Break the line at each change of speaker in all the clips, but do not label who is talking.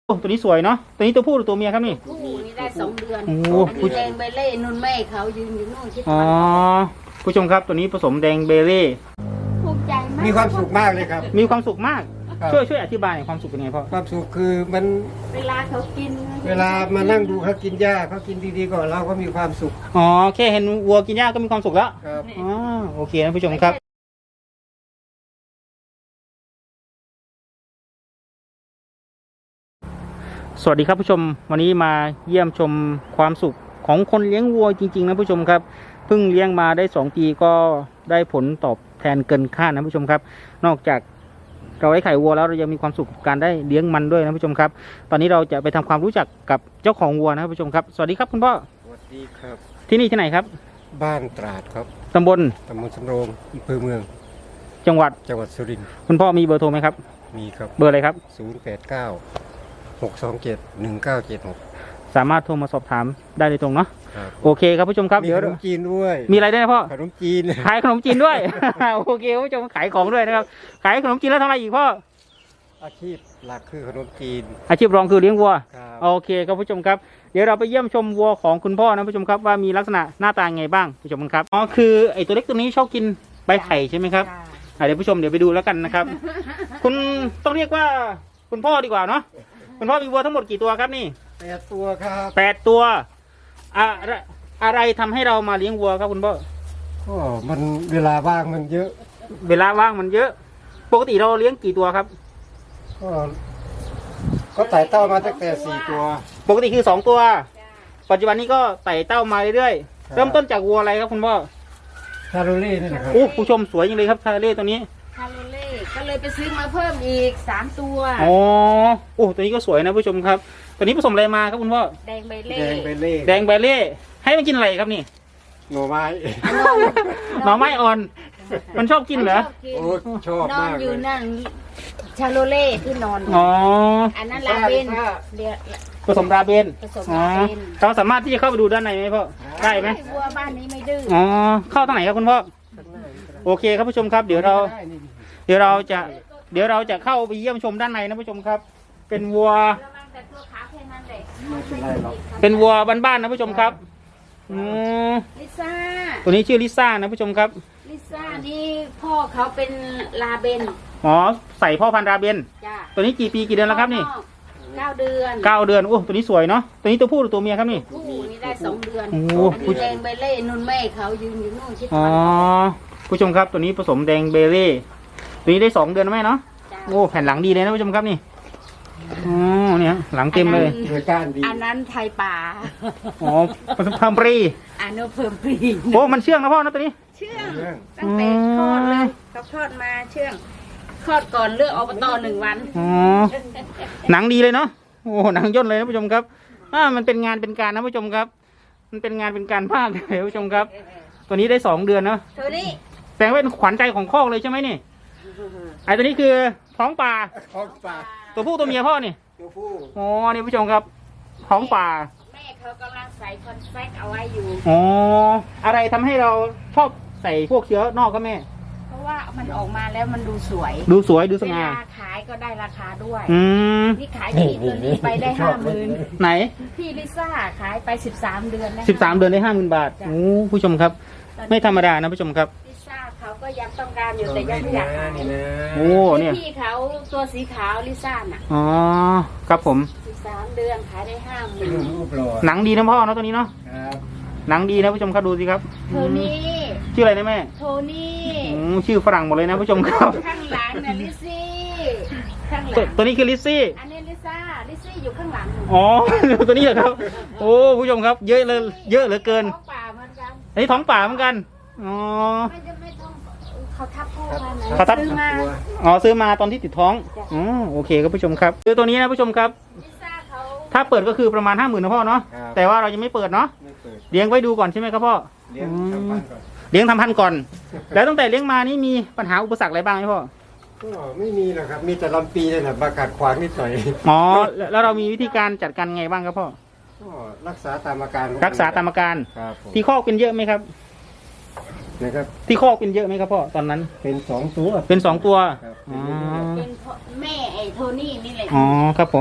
โอ้ตัวนี้สวยเนาะตัวนี้ตัวผู้หรือตัวเมียครับนี่
ผู้นี่ได้2 เดือน
โอ้
อันนี้แดงใบเล่นุ่นแม่เขายืนอยู่นู่นที่
อ๋อผู้ชมครับตัวนี้ผสมแดงเบเล่
ภูมิใจมาก
มีความสุขมากเลยครับ
มีความสุขมาก
ครับ
ช่วยอธิบายความสุขเป็นไงพ่อ
ความสุขคือมัน
เวลาเขากิน
เวลามานั่งดูเขากินหญ้าเขากินดีๆก่อนเราก็มีความสุข
อ๋อแค่เห็นวัวกินหญ้าก็มีความสุขแล้ว
ครับ
อ๋อโอเคนะผู้ชมครับสวัสดีครับผู้ชมวันนี้มาเยี่ยมชมความสุขของคนเลี้ยงวัวจริงๆนะผู้ชมครับเพิ่งเลี้ยงมาได้2 ปีก็ได้ผลตอบแทนเกินคาดนะผู้ชมครับนอกจากเราได้ไข่วัวแล้วเรายังมีความสุขกับการได้เลี้ยงมันด้วยนะผู้ชมครับตอนนี้เราจะไปทำความรู้จักกับเจ้าของวัวนะผู้ชมครับสวัสดีครับคุณพ่อ
สวัสดีครับ
ที่นี่ที่ไหนครับ
บ้านตราดครับ
ตำบล
ตำบลสำโรงอำเภอเมือง
จังหวัด
จังหวัดสุรินทร์
คุณพ่อมีเบอร์โทรไหมครับ
มีครับ
เบอร์อะไรครับ
089 627 1976
สามารถโทรมาสอบถามได้โดยตรงเนาะ
ครับ
โอเคครับผู้ชมครับ
มี
เดี๋ยว
ขนมจีนด้วย
มีอะไรด้วยนะพ่อ
ขนมจีน
ขายขนมจีนด้วย โอเคคุณผู้ชมขายของด้วยนะครับขายขนมจีนแล้วทำอะไรอีกพ่อ
อาชีพหลักคือขนมจีน
อาชีพรองคือเลี้ยงวัว
ครับ
โอเคครับผู้ชมครับเดี๋ยวเราไปเยี่ยมชมวัวของคุณพ่อนะผู้ชมครับว่ามีลักษณะหน้าตาไงบ้างผู้ชมครับอ๋อคือไอตัวเล็กตัวนี้ชอบกินใบไผ่ใช่ไหมครับเดี๋ยวผู้ชมเดี๋ยวไปดูแล้วกันนะครับ คุณต้องเรียกว่าคุณพ่อดีกว่าเนาะคุณพ่อมีวัวทั้งหมดกี่ตัวครับนี่
8 ตัวครับ
8 ตัวอะไรทำให้เรามาเลี้ยงวัวครับคุณพ่อ
ก็มันเวลาว่างมันเยอะ
เวลาว่างมันเยอะ ปกติเราเลี้ยงกี่ตัวครับ
ก็ไต่เต้ามาตั้งแต่4 ตัว
ปกติคือ2 ตัว ปัจจุบันนี้ก็ไต่เต้ามาเรื่อยๆเริ่มต้นจากวัวอะไรครับคุณพ่อ
ชาโรเล่นี่นะครับ
โอ้ผู้ชมสวยจริงเลยครับชาเล่ตัวนี้
คาโรเล่ก็เลยไปซื้อมาเพิ่มอีก3 ตัว
อ๋อโอ้ตัวนี้ก็สวยนะผู้ชมครับ ตัวนี้ผสมอะไรมาครับคุณพ่อ
แดงใบเล่
แดงเบลเล่
แดงใบเล่ให้มันกินอะไรครับนี่
หน่อไม้
หน่อไม้อ่อน มันชอบกินเหรอ
โอ้ชอบ
นอน
มาก
อ
เล
ยู่
ย
นั่นชาโรเล่ที่นอนอยู่
อ๋อ
อันนั้นลาเบนเดี๋ยว
ผสมราเบน
ผสม
อ๋อ
ราเบน
เราสามารถที่จะเข้าไปดูด้านในไหมพ่อได้ไหม
วัวบ้านนี้ไม่ดื้อ
อ๋อเข้าทางไหนครับคุณพ่อโอเคครับผู้ชมครับเดี๋ยวเราจะเข้าไปเยี่ยมชมด้านในนะผู้ชมครับ เป็นวัว
ระวังแต่ตัวขาวแค่นั้นแหละ
ไม่เป็นไรหรอก
เป็นวัวบ้านๆนะผู้ชมครับอืม
ลิซ่า
ตัวนี้ชื่อลิซ่านะผู้ชมครับ
ลิซ่านี่พ่อเขาเป็นลาเบน
อ๋อใส่พ่อพันธุ์ราเบน
จ้า
ตัวนี้กี่ปีกี่เดือนแล้วครับนี่
9 เดือน
9 เดือนโอ้ตัวนี้สวยเนาะตัวนี้ตัวผู้หรือตัวเมียครับนี่
ผู้นี่ได้2 เดือน
โอ้
อันนี้แดงใบเล่นุ่นแม่เขายืนอยู่นู่นที่
อ๋อผู้ชมครับตัวนี้ผสมแดงเบเล่ตัวนี้ได้2 เดือนแล้วไหมเนาะ
จ้า
โอ้แผ่นหลังดีเลยนะผู้ชมครับนี่อ๋อเนี่ยหลังเต็มเลย
โดยการดี
อันนั้นไทยป่า
อ๋อผสมพัมปรี
อันนั้นเพิ่มปรี
โอ้มันเชื่องนะพ่อนะตัวนี้
เชื่องตั้งแต่คลอดเลยเขาคลอดมาเชื่องคลอดก่อนเลือกอบต1 วัน
อ๋อหนังดีเลยเนาะโอ้หนังย่นเลยนะผู้ชมครับมันเป็นงานเป็นการนะผู้ชมครับ มันเป็นงานเป็นการภาคเลยผู้ชมครับ ตัวนี้ได้2 เดือนเนาะ
ตัวนี้
แสดงว่าเป็นขวัญใจของคอกเลยใช่ไหมนี่ไอตัวนี้คือท้องป่า
ท้องป่า
ตัวผู้ตัวเมียพ่อนี่
ตัวผู้
อ๋อนี่ผู้ชมครับท้องป่า
แม่เขากำลังใส่คอนแฟคเอาไว้อยู่
อ๋ออะไรทำให้เราชอบใส่พวกเชื้อนอกก็แม่
เพราะว่ามันออกมาแล้วมันดูสวย
ดูสวยดูส
เว
ง่า
ลาขายก็ได้ราคาด้วย
อืม
นี่ขายที่ตัวนี้ไปได้50,000
ไหน
พี่ลิซ่าขายไป13 เดือนแล้ว
13 เดือนได้50,000 บาทโอ้ผู้ชมครับ ไม่ธรรมดานะผู้ชมครับ
ลิซ่าเขาก็ยังต้องการอยู่แต่ยังไม่อยากขาย
นี่นะ
โอ้เนี่ย
พี่เขาตัวสีขาวลิซ่าน่ะ
อ๋อครับผม
13 เดือนขายได้
รู
50,000
ปหล่อ
หนังดีนะพ่อเนาะตัวนี้เนาะ
ครับ
หนังดีนะผู้ชมครับดูสิครับ
โทนี่
ชื่ออะไรนะแม่
โทนี่
ชื่อฝรั่งหมดเลยนะผู้ชมครับ
ข้างหลังน่ะลิซี่ข้างหลั
ตัว
ง
ตัวนี้คือลิซซี่
อันนี้ลิซ่าอยู่ข้างหลัง
อ๋อ ตัวนี้เหรอครับ โอ้ผู้ชมครับ เยอะเลยเยอะเหลือเกิน
ท้องป่าเหมือนกัน
อันนี้ท้องป่าเหมือนกันอ๋อ
ไม่ต้องเขาทับพ่อมานะ
เขาทับ
ซื้อมา
ตัว
อ๋อซื้อมาตอนที่ติดท้องอ๋อโอเคครับผู้ชมครับคือตัวนี้นะผู้ชมครับ
ลิซ่าเขา
ถ้าเปิดก็คือประมาณ 50,000นะพ่อเนาะ
ครับ
แต่ว่าเรายังไม่เปิดเนาะ
ไม่เปิด
เลี้ยงไว้ดูก่อนใช่ไหมครับพ่อ
เลี้ยงชาวบ้านก่อน
เลี้ยงทำพันธุ์ก่อน แล้วตั้งแต่เลี้ยงมานี่มีปัญหาอุปสรรคอะไรบ้างไหมพ่อ
ก็ไม่มีหรอกครับ มีแต่ลำปีนี่แหละมากัดขวางนิดหน่อย
อ๋อแล้วเรามีวิธีการจัดการไงบ้างครับพ่อ
ก็รักษาตามอาการ
รักษาตามอาการ
ครับผม
ที่คอกเป็นเยอะไหมครับ
นะครับ
ที่คอกเป็นเยอะไหมครับพ่อตอนนั้น
เป็น2 ตัว
เป็น2 ตัว
ครับ
อ๋อ
เป็นพ่อแม่ไอ้โทนี่นี่แหละ
อ๋อครับผม พ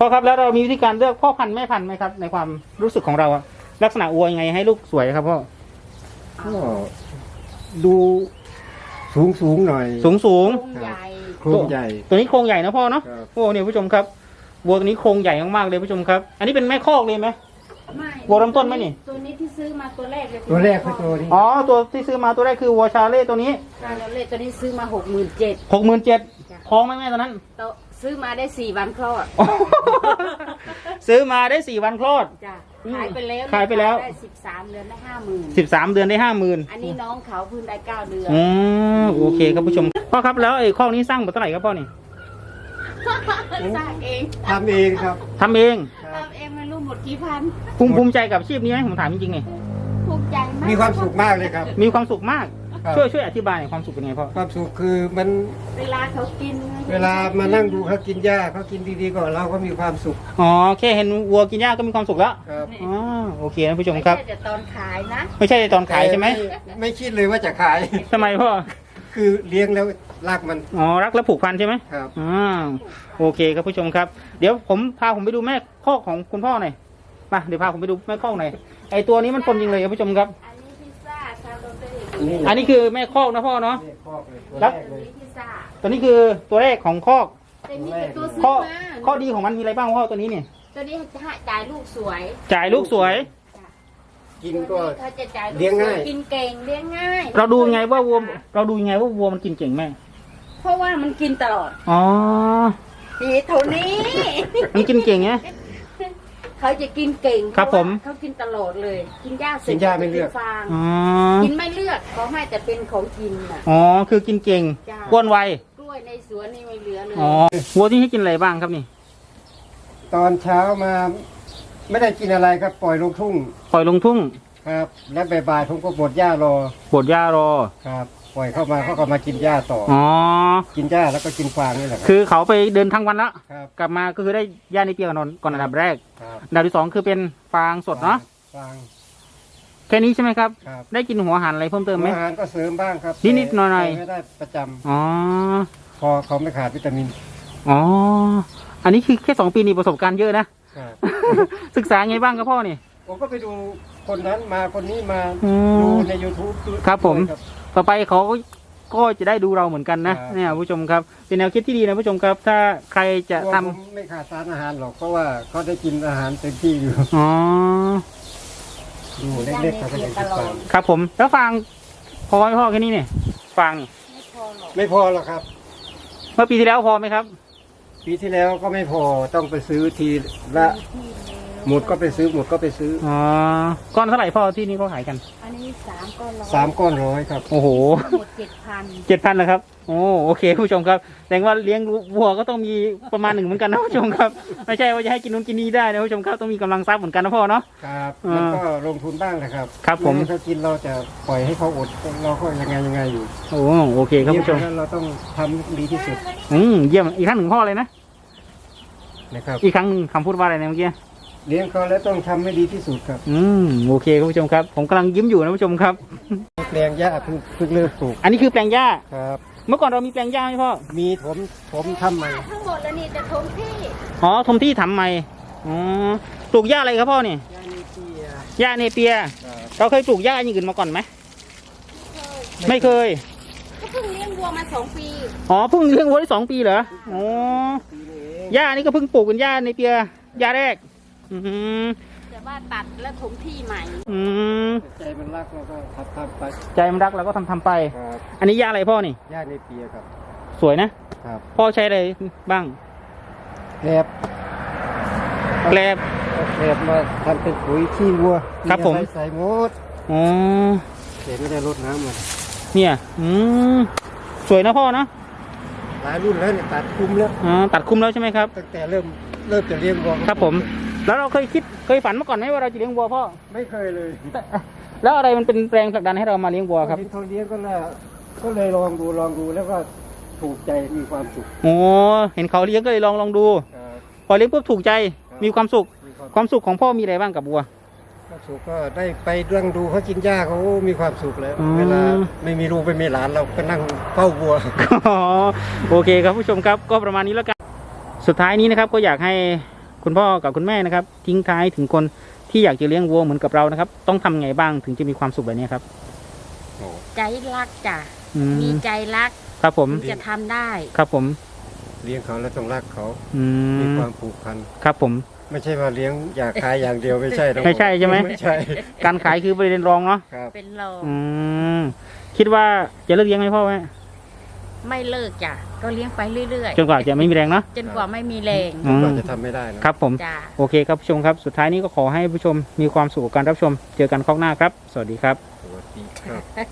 พ่อครับแล้วเรามีวิธีการเลือกพ่อพันธุ์แม่พันธุ์ไหมครับ ในความรู้สึกของเราอะลักษณะวัวยังไงให้ลูกสวยครับพ่อ
ก็ดูสูงหน่อย
สูง
โครงใหญ่
โครงใหญ่
ตัวนี้โครงใหญ่นะพ่อเนาะ
ครับ
โอ้เนี่ยผู้ชมครับวัวตัวนี้โครงใหญ่มากๆเลยผู้ชมครับ อันนี้เป็นแม่คอกเลยไหม
ไม่
วัวลำต้นไหมนี่
ตัวนี้ที่ซื้อมาตัวแรกเลย
ตัวแรกคือตัวนี้
อ๋อตัวที่ซื้อมาตัวแรกคือวัวชาเล่ตัวนี้
ตัวแรกตัวนี้ซื้อมา67,000
67,000ท้องไหมแม่ตอนนั้น
ซื้อมาได้4 วันคลอด
ซื้อมาได้4 วันคลอด
จ้ะขายไปแล้ว
ขายไปแล้ว
ได้13 เดือนได้50,000
13 เดือนได้ 50,000
อันนี้น้องเขาเพิ่งได้9 เดือน
อืมโอเคครับผู้ชมพ่อครับแล้วไอ้ข้อนี้สร้างมาเท่าไหร่ครับพ่อนี่
สร้างเอง
ทำเองครับ
ทำเอง
ครับ
ทำเองไม่รู้หมดกี่พัน
ภูมิใจกับอาชีพนี้ไหมผมถามจริงๆนี่
ภูมิใจมาก
มีความสุขมากเลยครับ
มีความสุขมาก
ครับ
ช่วยอธิบายหน่อยความสุขเป็นไงพ่อ
ความสุขคือมัน
เวลาเขากิน
เวลามานั่งดูเขากินหญ้าเขากินดีๆก่อนเราก็มีความสุข
อ๋อแค่เห็นวัวกินหญ้าก็มีความสุขแล้ว
ครับ
อ๋อโอเคนะผู้ชมครับ
ไม่ใช่แต่ตอนขายนะ
ไม่ใช่ตอนขายใช่ไหม
แต่ไม่คิดเลยว่าจะขาย
ทำไมพ่อ
คือเลี้ยงแล้วรักมัน
อ๋อรักและผูกพันใช่ไหม
ครับ
อ่าโอเคครับผู้ชมครับ เดี๋ยวพาผมไปดูแม่คอกของคุณพ่อหน่อยมาเดี๋ยวพาผมไปดูแม่คอกหน่อยไอตัวนี้มันปนจริงเลยครับผู้ชมครับ
อันนี้พิซซ่าชาโรเต้
อันนี้คือแม่คอกนะพ่อเนาะ
นี่คอกเลยตัว
ครั
แร
บ
กเลย
พิซซ่า
ตัวนี้คือตัวแรกของคอก
แต่นี่เป็นตัวซื้อ
ข้อ
มา
ข้อดีของมันมีอะไรบ้างพ่อตัวนี้เนี่ย
ตัวนี้จะให้จ่ายลูกสวย
จ่ายลูกสวย
กินก็
เขาจะจ่ายลูก
เลี้ยงง่าย
สวกินเก่งเลี้ยงง่าย
เราดูยังไงว่าวัวมันกินเก่งแม่
เพราะว่ามันกินตลอด
อ๋อ
นี่เท่านี้
มันกินเก่งไง
เขาจะกินเก่ง
ครับ
เพาะว่า
ผม
เขากินตลอดเลย กินหญ้าเสร็จ
กินหญ้าไม่เลือก
ฟาง
อ๋อ
กินไม่เลือกเขาให้แต่เป็นของกินน่ะ
อ๋อคือกินเก่ง
จ้ะ
อ้วนไว
กล้วยในสวนนี่ไม่เหลือเลย
อ๋อวัวที่ให้กินอะไรบ้างครับนี่
ตอนเช้ามาไม่ได้กินอะไรครับปล่อยลงทุ่ง
ปล่อยลงทุ่ง
ครับ แล้วบ่ายๆผมก็บดหญ้ารอ
ปวดหญ้ารอ
ครับ ปล่อยเข้ามาเขาก็มากินหญ้าต่ออ
อ๋อ
กินหญ้าแล้วก็กินฟางนี่แหละครับ
คือเขาไปเดินทั้งวันแล้ว
ครับ
กลับมาก็คือได้ย่าในเปียกก่อนอันดับแรก
ครับ
อันดับที่สองคือเป็นฟางสดเนาะ
ฟาง
แค่นี้ใช่ไหมครับ
ครับ
ได้กินหัวอาหารอะไรเพิ่มเติมไหม
อาหารก็เสริมบ้างครับ
นิดๆหน่อยๆ
แต่ไม่ได้ประจำ
อ๋อ
พอเขาไม่ขาดวิตามิน
อ๋อ อันนี้คือแค่2 ปีนี่ประสบการณ์เยอะนะ
ครับ
ศึกษาไงบ้างครับพ่อนี่
ผมก็ไปดูคนนั้นมาคนนี้มา
อืม
ดูใน YouTube
ครับผม
ด้วย
ต่อไปเขาก็จะได้ดูเราเหมือนกันนะครับ เนี่ยผู้ชมครับ เป็นแนวคิดที่ดีนะผู้ชมครับ ถ้าใครจะ
กลัว
ทำ
ผมไม่ขาดสารอาหารหรอกเพราะว่าเขาได้กินอาหารเต็มที่อยู่
อ๋อ
ดูเล็กๆเขาก็ยังกินฟาง
ครับผม แล้วฟางพอไหมพ่อแค่นี้เนี่ยฟางนี่
ไม่พอหรอก
ไม่พอหรอกครับ
เมื่อปีที่แล้วพอไหมครับ
ปีที่แล้วก็ไม่พอต้องไปซื้อทีละหมดก็ไปซื้อหมดก็ไปซื้อ
อ๋อ ก้อนเท่าไหร่พ่อที่นี่เขาขายกัน
อันนี้3 ก้อนร้อย
3 ก้อน100ครับ
โอ้โห
หมด7,000
7,000นะครับ โอ้โอเคผู้ชมครับแสดงว่าเลี้ยงวัวก็ต้องมีประมาณหนึ่งเหมือนกันนะผู้ชมครับ ไม่ใช่ว่าจะให้กินนู้นกินนี้ได้นะผู้ชมครับต้องมีกำลังทรัพย์เหมือนกันนะพ่อเนาะ
ครับ
อ่ามั
มันก็ลงทุนบ้างนะครับ
ครับผม
ไให้เขากินเราจะปล่อยให้เขาอดเราก็ยังไงอยู่
โอ้โอเคครับผู้ชม
เลี้ยงเราต้องทำดีที่สุด
เยี่ยมอีกครั้งหนึ่งพ่อเลยนะ
นะครับ
อีกครั้งหนึ่งคำพูดว่าอะไรนะเมื่อกี้
เลี้ยงเขาแล้วต้องทำให้ดีที่สุดครับ
โอเคครับผู้ชมครับ ผมกำลังยิ้มอยู่นะผู้ชมครับ
แปลงหญ้าเพิ่งเริ่มปลูก
อันนี้คือแปลงหญ้า
ครับ
เมื่อก่อนเรามีแปลงหญ้าไหมพ่อ
มีผมทำใหม่
ทั้งหมดแล้วนี่จะทมที่
อ๋อทมที่ทำใหม่อ๋อปลูกหญ้าอะไรครับพ่อเนี่ย
หญ้าเนเปีย
หญ้าเนเปีย เราเคยปลูกหญ้าอย่างอื่นมาก่อนไหมไม่เคย
ก็เพิ่งเลี้ยงวัวมา2 ปี
อ๋อเพิ่งเลี้ยงวัวได้2 ปีเหรออ๋อ
ปีนี้เอง
หญ้านี่ก็เพิ่งปลูกเป็นหญ้าเนเปียหญ้าแรก อืม
แต่ว่าตัดแล้วถมที่ใหม่
อืม
ใจมันรักเราก็ทำไป
ใจมันรักเราก็ทำไป
ครับ
อันนี้หญ้าอะไรพ่อนี่
หญ้าเนเปียครับ
สวยนะ
ครับ
พ่อใช้อะไรบ้าง
แกลบ
แกลบ
เอาแกลบมาทำเป็นปุ๋ยขี้วัว
ครับผม
ใส่หมด
อ๋อ
แต่ไม่ได้รดน้ำมัน
เนี่ย สวยนะพ่อนะ
หลายรุ่นแล้วเนี่ยตัดคุมแล้ว
อ๋อ ตัดคุมแล้วใช่ไหมครับ
ตั้งแต่เริ่มจะเลี้ยงวัว
ครับผม แล้วเราเคยฝันมาก่อนไหมว่าเราจะเลี้ยงวัวพ่อ
ไม่เคยเลย
แล้วอะไรมันเป็นแรงผลักดันให้เรามาเลี้ยงวัวครับ
ที่เขาเลี้ยงก็เลยลองดูแล้วก็ถูกใจมีความสุข
โอ้เห็นเขาเลี้ยงก็เลยลองดู
ครับ
พอเลี้ยงปุ๊บถูกใจ
ครับ
มีความสุข
มีความ
ความสุขของพ่อมีอะไรบ้างกับวัว
ความสุขก็ได้ไปเรื่องดูเขากินหญ้าเขามีความสุขแล้ว
อืม
เวลาไม่มีลูกไม่มีหลานเราก็นั่งเฝ้าวัว
อ๋อโอเคครับผู้ชมครับก็ประมาณนี้แล้วกันสุดท้ายนี้นะครับก็อยากให้คุณพ่อกับคุณแม่นะครับทิ้งท้ายถึงคนที่อยากจะเลี้ยงวัวเหมือนกับเรานะครับต้องทำไงบ้างถึงจะมีความสุขแบบนี้ครับ
โอ้
ใจรักจ้ะ
อื
มี
ม
ใจรัก
ครับผม
ถึงจะทำได้
ครับผม
เลี้ยงเขาแล้วต้องรักเขา
อื
มี
ม
ความผูกพัน
ครับผม
ไม่ใช่ว่าเลี้ยงอยากขายอย่างเดียวไม่ใช่นะ
ไม่ใช่ใช่ไหม
ไม่ใช่
การขายคือประเด็นรองเนาะ
ครับ
เป็นรอง
อืมคิดว่าจะเลิกเลี้ยงไหมพ่อแม่
ไม่เลิกจ้ะก็เลี้ยงไปเรื่อย
จนกว่าจะไม่มีแรงเนาะ
ๆ จนกว่าไม่มีแรง
อืม
ก็จะทำไม่ได้นะครับ
ผม
จ้ะ
โอเคครับผู้ชมครับสุดท้ายนี้ก็ขอให้ผู้ชมมีความสุขกับการรับชมเจอกันคราวหน้าครับ สวัสดีครับ
สวัสดีครับ